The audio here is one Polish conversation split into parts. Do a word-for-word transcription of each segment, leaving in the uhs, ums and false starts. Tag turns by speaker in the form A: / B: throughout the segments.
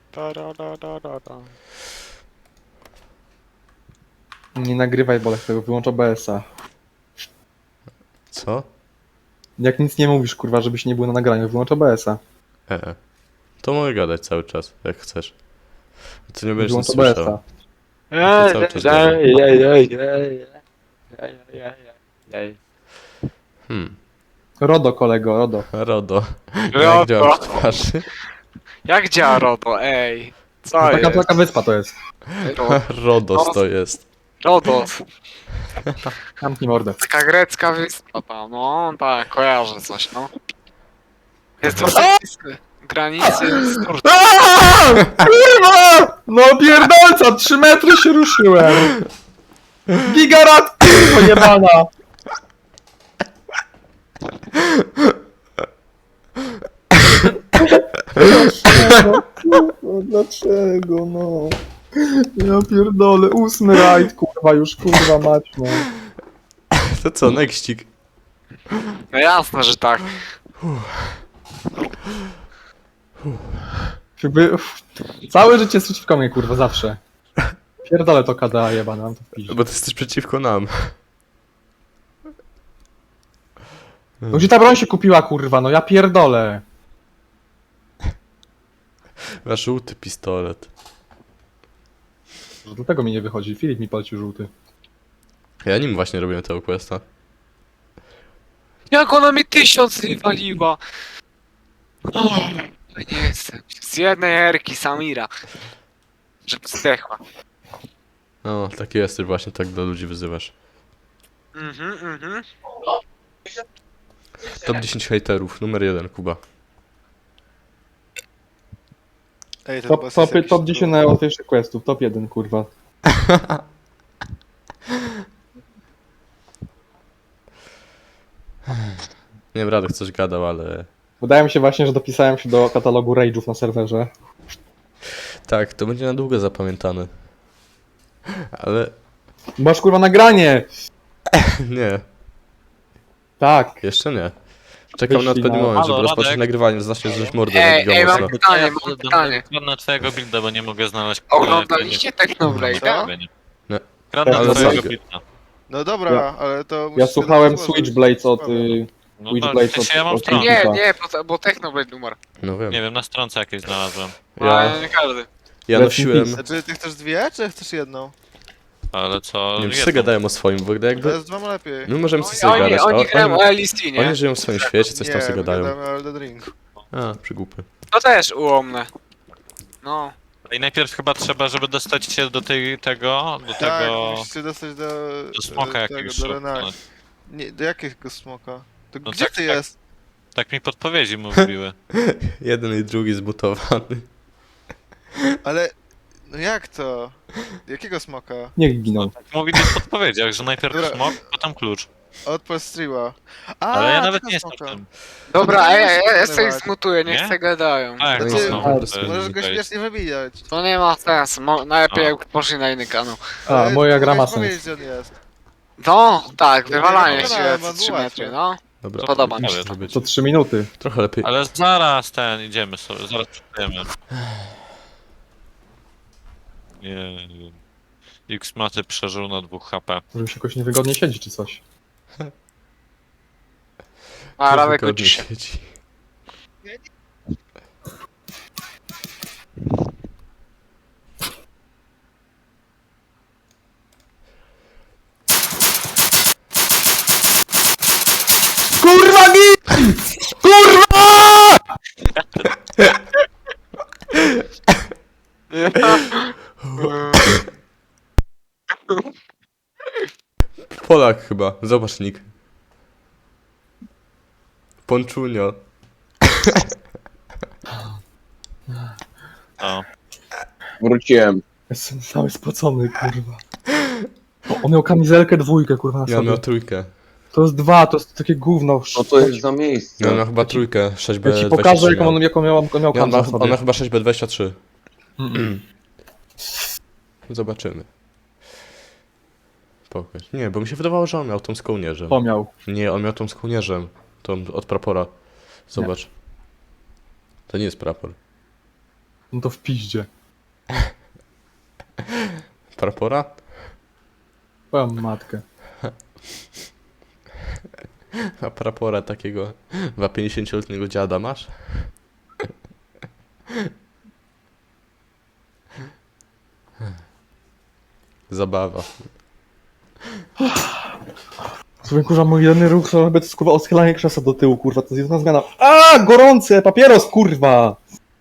A: Da, da, da, da, da, da.
B: Nie nagrywaj, Bolek, tego wyłącz O B S a.
C: Co?
B: Jak nic nie mówisz, kurwa, żebyś nie był na nagraniu, wyłącz O B S a.
C: E, to mogę gadać cały czas, jak chcesz. Ty nie będziesz nic
B: Wyłącz O B S
C: słyszał.
B: a.
A: Ej,
C: cały czas
A: ej, ej, ej, ej, ej, ej, ej, ej, ej.
C: Hmm.
B: Rodo, kolego, Rodo.
C: Rodo.
A: Rodo.
C: Jak działam w twarzy?
A: Jak działa RODO, ej? Co
B: Taka,
A: jest?
B: taka wyspa to jest.
A: Ro-
C: Rodos to jest.
A: Rodos.
B: Zamknij mordę.
A: Taka grecka wyspa tam, no tak, kojarzę coś, no. Jest to granicy z Turcją.
B: Aaaa! Kurwa! No pierdolca, trzy metry się ruszyłem. Gigarat, kurwa jebana. Dlaczego? Kurwa, dlaczego, no? Ja pierdolę, ósmy rajd, kurwa, już kurwa mać, no.
C: To co, nextik?
A: No jasne, że tak.
B: Jakby, uff, całe życie jest przeciwko mnie, kurwa, zawsze. Pierdolę to K D A jebana, mam to w piździe.
C: Bo ty jesteś przeciwko nam.
B: No gdzie ta broń się kupiła, kurwa, no ja pierdolę.
C: Masz żółty pistolet.
B: Dlatego mi nie wychodzi, Filip mi polecił żółty.
C: Ja nim właśnie robiłem tego questa.
A: Jak ona mi tysiąc wywaliła. O, nie chcę. Z jednej erki Samira. Żeby zdechła.
C: No, taki jesteś właśnie, tak do ludzi wyzywasz.
A: Mhm, mhm.
C: Top dziesięć hejterów, numer jeden, Kuba.
D: Ej, ten
B: Top,
D: boss
B: top,
D: jest jakiś
B: top dziesięć
D: trudny.
B: najłatwiejszych questów, top jeden, kurwa.
C: Nie wiem, Radek coś gadał, ale...
B: Wydaje mi się właśnie, że dopisałem się do katalogu rage'ów na serwerze.
C: Tak, to będzie na długo zapamiętane. Ale...
B: Masz kurwa nagranie!
C: nie,
B: Tak.
C: jeszcze nie. Czekam na
B: Wyślij
C: odpowiedni
B: na-
C: moment, żeby
E: Halo,
C: rozpocząć
E: Radek?
C: nagrywanie, zacznie zrzuć mordę
A: Ej,
C: na
A: ej,
C: giga
A: mam
C: mocno.
A: pytanie, mam pytanie.
E: Kradnę twojego builda, bo nie mogę znaleźć...
A: Oglądaliście Technoblade'a?
D: Co?
C: Nie.
E: Kradnę
B: Ale
E: twojego
C: co?
E: builda.
D: No dobra,
B: Ja-
D: ale to
B: Ja
D: musisz
B: słuchałem
D: sobie złożyć.
B: Switchblades od... Y,
E: No
B: Switchblades
E: to,
B: od,
E: się ja mam
B: od
E: stronę.
A: Nie,
B: Filipa.
A: nie, bo, bo Technoblade numer.
C: No wiem.
E: Nie wiem, na stronce jakieś znalazłem.
A: Ja...
C: Ja,
A: nie każdy.
C: ja
B: Rest in
C: nosiłem...
B: peace.
D: Znaczy, ty chcesz dwie, czy chcesz jedną?
E: Ale co...
C: Nie wiem, wszyscy
E: jedną.
C: gadają o swoim, bo gdy
D: To
C: jakby...
D: jest dwa lepiej.
C: My możemy
A: Oni,
C: sobie
A: oni,
C: gadać, a
A: oni grają o
C: oni,
A: L C, nie?
C: oni żyją w swoim świecie, coś tam
D: Nie,
C: sobie
D: my
C: gadają.
D: gadamy o Elden Ring.
C: A, przygłupy.
A: To też ułomne. No.
E: I najpierw chyba trzeba, żeby dostać się do tej, tego, do
D: Tak,
E: tego...
D: musisz dostać do...
E: Do smoka
D: e, tego,
E: jakiegoś.
D: do
E: no,
D: Renai. Nie, do jakiego smoka? To
E: No
D: gdzie
E: tak,
D: ty
E: tak.
D: jest?
E: Tak mi podpowiedzi mówiły.
C: Jeden i drugi zbutowany.
D: Ale... No jak to? Jakiego smoka?
B: Niech giną.
E: Tak mówili w podpowiedziach, że najpierw
D: Dobra.
E: smok, potem klucz.
D: Odpal streama. A,
E: Ale ja nawet
D: tego
E: nie jestem w
D: smoka.
E: tym.
A: Dobra,
D: to
A: ej,
D: nie
A: ej,
D: muszę
A: ja sobie
D: wykonywać.
A: zmutuję, niech
E: Nie?
A: se gadają.
E: Tak,
C: No
E: to
C: nie,
E: są...
B: ale-
E: to jest
D: Możesz go
E: okej.
D: śmiesznie wybijać.
A: To nie ma sensu, mo- najlepiej
E: A.
A: jak poszli na inny kanał.
B: A,
D: Ale
B: moja gra ma
D: możesz
B: sens.
D: powiedzieć, gdzie on jest.
A: No, tak,
D: Ja
A: wywalanie
D: nie
A: się
D: wygadałem,
A: co
D: bo
A: trzy
D: było
A: metry,
D: łatwe.
A: no.
C: Dobra,
A: Podoba mi
C: musi
E: się.
C: to być.
B: Co trzy minuty.
C: Trochę lepiej.
E: Ale zaraz ten, idziemy sobie, zaraz przejdziemy. Nie wiem. X maty przeżył na dwóch H P.
B: Może mi się jakoś niewygodnie siedzi czy coś.
A: A Radek
C: Wygodnie
A: uczy się.
C: siedzi.
B: Kurwa gin! Kurwa!
C: Polak chyba, zobacz nick. Ponczunio.
E: O.
F: Wróciłem.
B: Jestem cały spocony, kurwa. O, on miał kamizelkę dwójkę, kurwa, na
C: Ja
B: sobie.
C: miał trójkę.
B: To jest dwa, to jest takie gówno.
F: No to jest za miejsce.
C: Ja miał chyba trójkę, sześć B
B: Ja ci
C: dwadzieścia
B: pokażę,
C: trzy
B: jaką
C: miał.
B: on, jaką miał, on miał
C: Ja, on,
B: kamzę
C: ma,
B: na
C: on
B: sobie.
C: ma chyba sześć B dwadzieścia trzy.
B: Mm.
C: Zobaczymy. Pokaż. Nie, bo mi się wydawało, że on miał tą z kołnierzem.
B: To miał.
C: Nie, on miał tą z kołnierzem. Tą od prapora. Zobacz. To nie jest prapor.
B: No to w piździe.
C: Prapora?
B: Twoją matkę.
C: A prapora takiego chyba pięćdziesięcioletniego dziada masz? Zabawa.
B: Sobie kurwa mój jedyny ruch to chyba to jest kurwa odchylanie krzesła do tyłu, kurwa, to jest jedna zmiana. A gorące! Papieros, kurwa!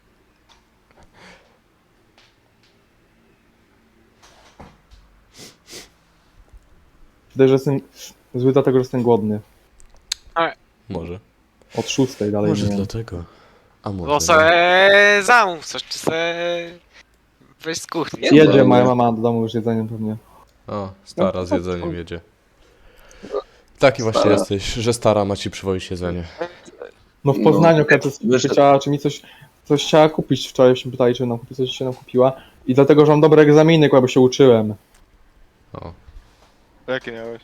B: Wydaje, że jestem zły dlatego, że jestem głodny.
C: Może.
B: Od szóstej dalej
C: Może
B: nie.
C: dlatego. A może.
A: Bo
C: nie.
A: se zamów coś, czy se weź z kuchni.
F: Nie,
B: Jedzie
F: no,
B: moja
F: nie.
B: mama do domu już jedzeniem pewnie.
C: O, stara z
B: No,
C: jedzeniem jedzie. Taki właśnie
F: Stara.
C: jesteś, że stara ma ci przywozić jedzenie.
B: No w
F: No,
B: Poznaniu no,
F: wyszedł.
B: chciała, czy mi coś, coś chciała kupić wczoraj, się pytali, czy nam kupi, coś się nam kupiła. I dlatego, że mam dobre egzaminy, kurwa, bo się uczyłem.
C: O.
D: Jakie miałeś?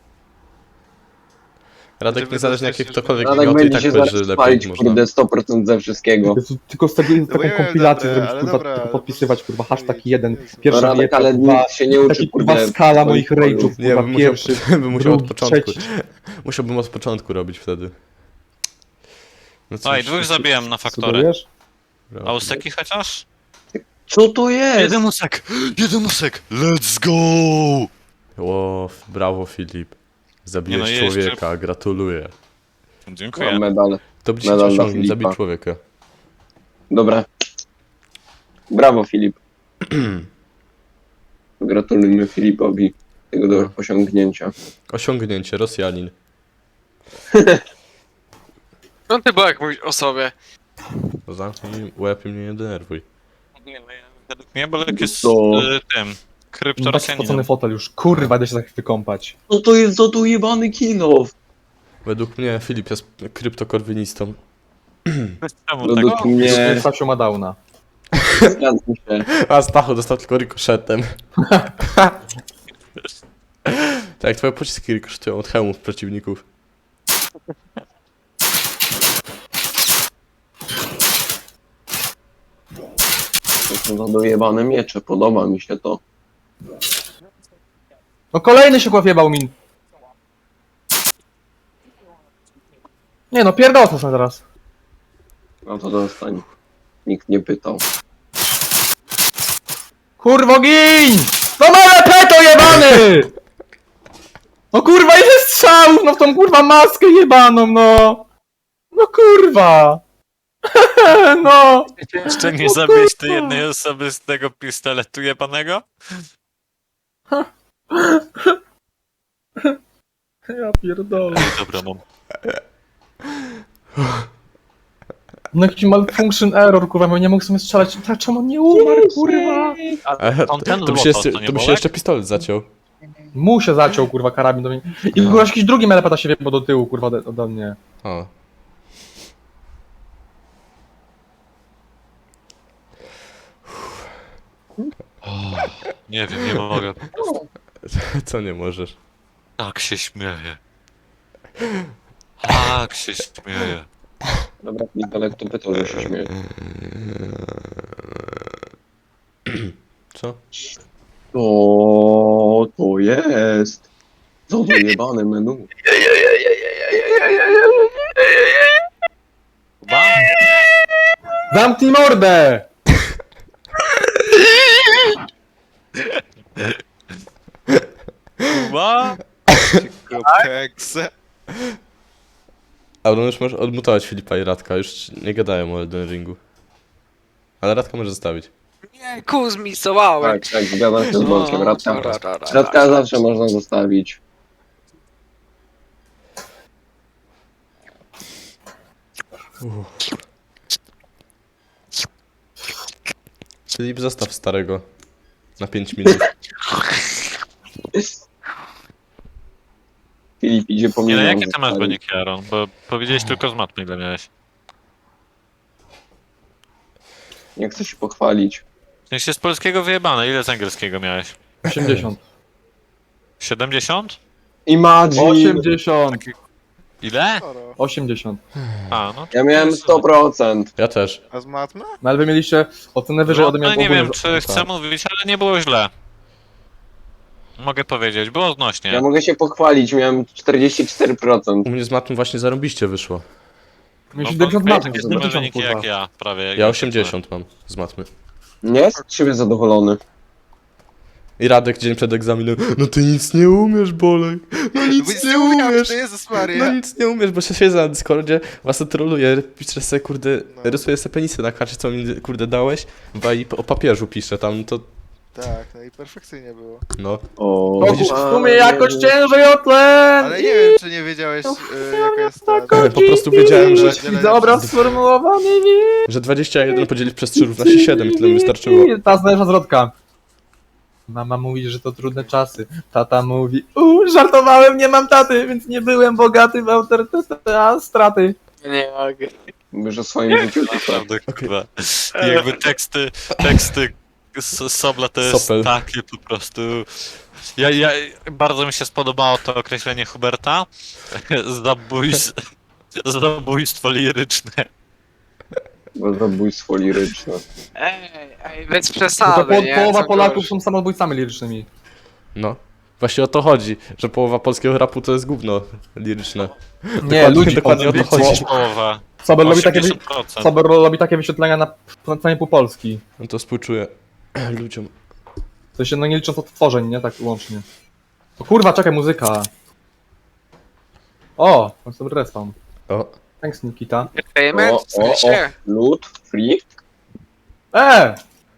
C: Radek,
D: Żeby
C: niezależnie
D: dostać
C: jaki
D: już-
C: ktokolwiek
F: Radek
C: miał, to i
F: będzie
C: tak
F: się
C: powiesz,
F: zaraz
C: że
F: spalić,
C: lepiej można.
F: kurde, sto procent ze wszystkiego.
B: Jezu, tylko z tego
D: No bo
B: taką
D: ja wiem,
B: kompilację
D: dobra,
B: zrobić,
D: ale
B: kurwa,
D: dobra,
B: tylko
D: ale
B: podpisywać,
D: po
B: kurwa,
D: prostu-
B: hashtag jeden,
D: Jezu.
B: pierwszy
F: Radek,
B: dieta,
F: ale
B: kurwa,
F: nikt się nie uczy,
B: taki
F: kurde.
B: kurwa skala moich
F: swoich
B: rage'ów,
C: Nie,
B: kurwa,
C: bym musiał,
B: pierwszy,
C: bym musiał od
B: drugi,
C: początku.
B: trzeci.
C: Musiałbym od początku robić wtedy. No
E: Oj,
C: cóż,
E: dwóch zabijam na faktorę.
B: Sugerujesz?
C: brawo.
E: A useki chociaż?
F: Co to jest?
E: Jeden usek! Jeden usek! Let's go!
C: Ło, brawo Filip. Zabiłeś
E: Nie no, jeszcze-
C: człowieka, gratuluję.
E: Dziękuję.
F: Mam medal.
C: To by ci
F: Medal dla
C: osiągnąć, zabić
F: Filipa.
C: człowieka.
F: Dobra. Brawo, Filip. Gratulujemy Filipowi tego do osiągnięcia.
C: Osiągnięcie, Rosjanin.
A: No ty jak mówisz o sobie.
C: No zamknij łeb i mnie nie denerwuj.
E: Nie, no ja, według mnie Bolek jest
F: To-
E: y, tym.
B: No tak spocony
E: Kryptorosjaninem.
B: fotel już, kurwa, idę się tak wykąpać.
F: No to jest za to jebany kilof.
C: Według mnie Filip jest kryptokorwinistą.
E: Czemu
F: No
E: tak?
F: do mnie
B: Stasiu ma downa.
F: zgadzam się.
C: A Stachu dostał tylko rikoszetem. Tak jak twoje pociski rikoszetują od hełmów przeciwników.
F: To są za dojebane miecze, podoba mi się to.
B: No kolejny się kławiebał min. Nie no, pierdolę są teraz.
F: No to dostań. Nikt nie pytał.
B: Kurwo gin! No mole peto jebany! No kurwa, ile strzałów, no w tą kurwa maskę jebaną, no! No kurwa! No!
E: Jeszcze nie
B: O
E: zabiłeś tej
B: kurwa.
E: jednej osoby z tego pistoletu jebanego?
B: Ja pierdolę.
E: Dobra, mam.
B: No jakiś malfunction error, kurwa, bo nie mógł sobie strzelać. Czemu on nie umarł, kurwa?
C: E,
E: on ten
C: to by się
E: złoto,
C: jeszcze,
E: to nie
C: to by się
E: Bolek?
C: jeszcze pistolet zaciął.
B: Mu się zaciął, kurwa, karabin do mnie. I kurwa, jakiś drugi melepeta się wjebał do tyłu, kurwa, ode- ode mnie.
C: O.
E: Nie wiem, nie mogę.
C: Co nie możesz?
E: Tak się śmieję. Tak się śmieję.
F: Dobra, Nikolek to pytał, że się śmieje.
C: Co?
F: O, to jest. Co to jebane menu.
E: Chyba?
B: Zamknij mordę!
E: Chyba?
D: Kekse.
C: A no już możesz odmutować Filipa i Radka, już nie gadają o Elden Ringu. Ale Radka może zostawić.
A: Nie, ku zmisowałem.
F: Tak, tak, zgadzam się z Bolkiem. Radka,
A: ra, ra, ra,
F: Radka
A: ra.
F: zawsze można zostawić.
C: Filip, zostaw starego. Na pięć minut.
F: Filip idzie po
E: Nie, no
F: milion
E: jakie ty masz
F: zostawić.
E: wyniki, Aaron? Bo powiedziałeś tylko z matmy, ile miałeś.
F: Nie chcę się pochwalić.
E: W sensie z polskiego wyjebane, ile z angielskiego miałeś?
B: osiemdziesiąt.
E: siedemdziesiąt?
F: Imagine!
B: osiemdziesiąt!
E: Ile?
D: Sporo.
B: osiemdziesiąt.
E: A, no.
F: Ja miałem sto procent.
C: Ja też.
D: A z matmy?
B: No ale wy mieliście ocenę wyżej ode mnie
E: No, nie
B: ogólnie,
E: wiem,
B: że-
E: czy chcę
B: tak.
E: mówić, ale nie było źle. Mogę powiedzieć, było odnośnie.
F: Ja mogę się pochwalić, miałem czterdzieści cztery procent.
C: U mnie z matmy właśnie zarąbiście wyszło.
B: Mieliście
E: bo
B: dziewięćdziesiąt
E: wiecie,
B: matem,
E: takie
B: to
E: same
B: dziewięćdziesiąt,
E: wyniki
B: kurwa.
E: jak ja, prawie.
C: Ja osiemdziesiąt mam z matmy.
F: Nie jest z siebie zadowolony.
C: I Radek dzień przed egzaminem. No ty nic nie umiesz, Bolek. No nic nie umiesz.
D: To Jezus
C: No
D: Maria.
C: nic nie umiesz, bo się siedzę na Discordzie, was troluję, piszę sobie, kurde,
D: No.
C: rysuję sobie penisy na karcie, co mi, kurde, dałeś, chyba i o papieżu piszę tam, to,
D: Tak, no i perfekcyjnie było.
C: no.
F: O,
B: O,
C: Widzisz,
B: w sumie jakoś ciężej o tlen!
D: Ale nie wiem, czy nie wiedziałeś, y, jaka jest ta...
B: Tak,
C: Po prostu wiedziałem, że,
B: Widzę obraz sformułowany, nie.
C: że dwadzieścia jeden podzielić przez trzy równa się siedem i tyle mi wystarczyło.
B: Ta znajdziesz zwrotka. Mama mówi, że to trudne czasy. Tata mówi, uuu, żartowałem, nie mam taty, więc nie byłem bogaty w autorytety, a straty.
A: Nie mogę.
F: Mówisz o swoim życiu, tak?
E: Naprawdę, kurwa. I jakby teksty, teksty S- Sobla to jest
C: Sopel.
E: takie po prostu... Ja, ja, bardzo mi się spodobało to określenie Huberta. Zabójstwo, zabójstwo liryczne.
F: Bo zabójstwo liryczne.
A: Ej, ej, bez
B: No to
A: przesady,
B: po,
A: nie?
B: połowa
A: Co
B: Polaków
A: gorzej.
B: są samobójcami lirycznymi.
C: No. Właśnie o to chodzi, że połowa polskiego rapu to jest gówno liryczne.
B: Nie,
C: Dokładnie-
B: ludzi
C: dokładnie o to
B: potem-
C: chodzi.
E: Połowa.
B: Sober robi takie, wy-
E: osiemdziesiąt procent.
B: Sober robi takie wyświetlenia na, na całej pół Polski.
C: No to współczuję ludziom.
B: To się no nie licząc odtworzeń, nie? Tak łącznie. O kurwa, czekaj, muzyka. O, mam sobie respawn.
C: O,
B: Thanks, Nikita.
A: Payment?
F: O,
A: W
F: o, o,
A: sensie?
F: loot, free.
B: E!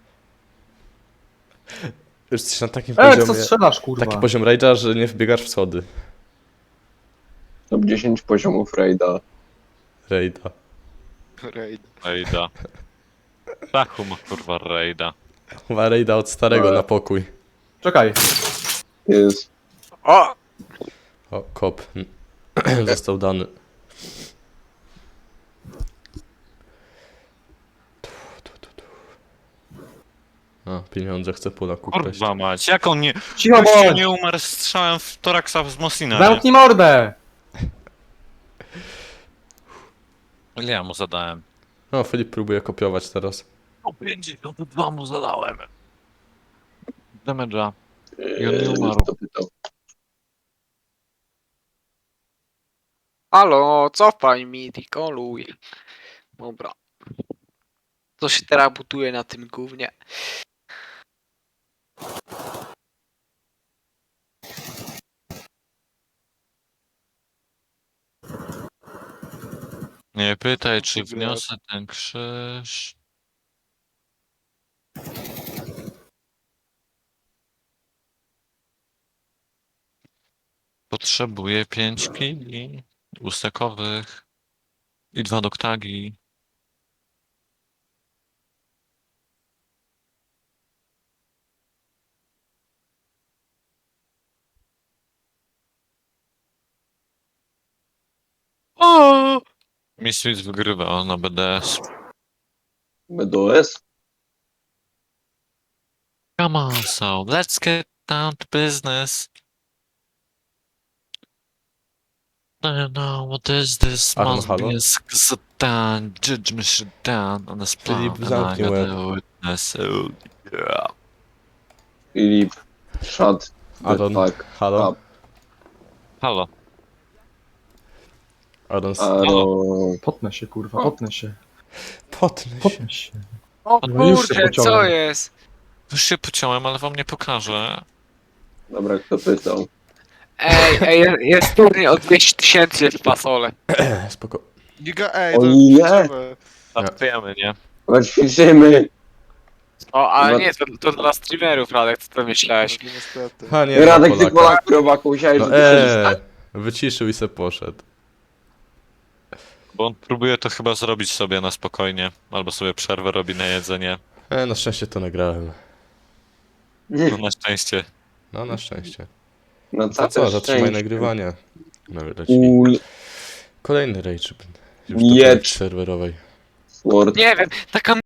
C: już jesteś na takim
B: E, co
C: poziomie,
B: strzelasz, kurwa?
C: taki poziom rage'a, że nie wbiegasz w schody.
F: Top dziesięć poziomów raida.
C: Raida.
D: Raid.
E: Rejda. Tachu ma kurwa rejda.
C: Chyba raida od starego
F: Ale-
C: na pokój.
B: Czekaj.
F: Jest.
A: O!
C: O, kop. Został dany. A, pieniądze chcę pula kupić.
E: Kurwa mać, jak on nie...
B: Cicho
E: Gościu
B: bądź!
E: nie umarł strzałem w toraksa z Mosina.
B: Zamknij mordę!
E: Ile ja mu zadałem?
C: No, Filip próbuje kopiować teraz.
E: O pięćdziesiąt dwa mu zadałem. Damage'a. I on nie
F: Eee,
E: umarł.
F: to pytał.
A: Halo, cofaj mi, koluj. Dobra. Co się teraz butuje na tym gównie?
E: Nie pytaj, czy wniosę ten krzyż. Potrzebuję pięć kili ustekowych i dwa doktagi. O! Misfits wygrywa na B D S.
F: B D O S?
E: Come on, so let's get down to business. I don't know what is this?
C: Aaron,
E: Must
C: halo?
E: be a sit down, judge me shit down on the spot.
C: Filip,
E: And I
C: zamknij
E: got
C: łeb.
E: a witness. Oh, yeah.
F: Filip. Shut. the
C: Aaron,
F: fuck
C: halo?
F: up.
E: Halo.
C: Aaron, s-
F: Aaron.
B: Potnę się, kurwa, potnę się.
C: potnę się.
B: Potnę się.
A: O
B: No już się
A: kurde,
B: pociąłem.
A: co jest?
E: Już się pociąłem, ale wam nie pokażę.
F: Dobra, kto pytał?
A: Ej, ej, jest- jest turniej o dwieście tysięcy w fasole.
C: Spoko.
D: Giga, ej,
F: O
D: to
F: ile?
D: kluczowe.
E: Startujemy, nie?
F: Chodź, ćwiczymy.
A: O, ale
F: No-
A: nie, to, to dla streamerów, Radek, co to myślałeś?
D: No, niestety.
C: Ha, nie,
F: Radek,
C: dla
F: ty
C: Polaka.
F: Polaku, robaku, musiałeś,
C: No
F: że ty
C: eee,
F: siedzisz,
C: wyciszył i se poszedł.
E: Bo on próbuje to chyba zrobić sobie na spokojnie. Albo sobie przerwę robi na jedzenie.
C: E, na szczęście to nagrałem.
E: No na szczęście.
C: No, na szczęście.
F: No
C: To
F: co,
C: co, zatrzymaj
F: szczęście.
C: nagrywanie. No, leci.
F: Ul,
C: Kolejny rage. Już
F: Nie.
C: do serwerowej.
F: Sword.
A: Nie wiem, taka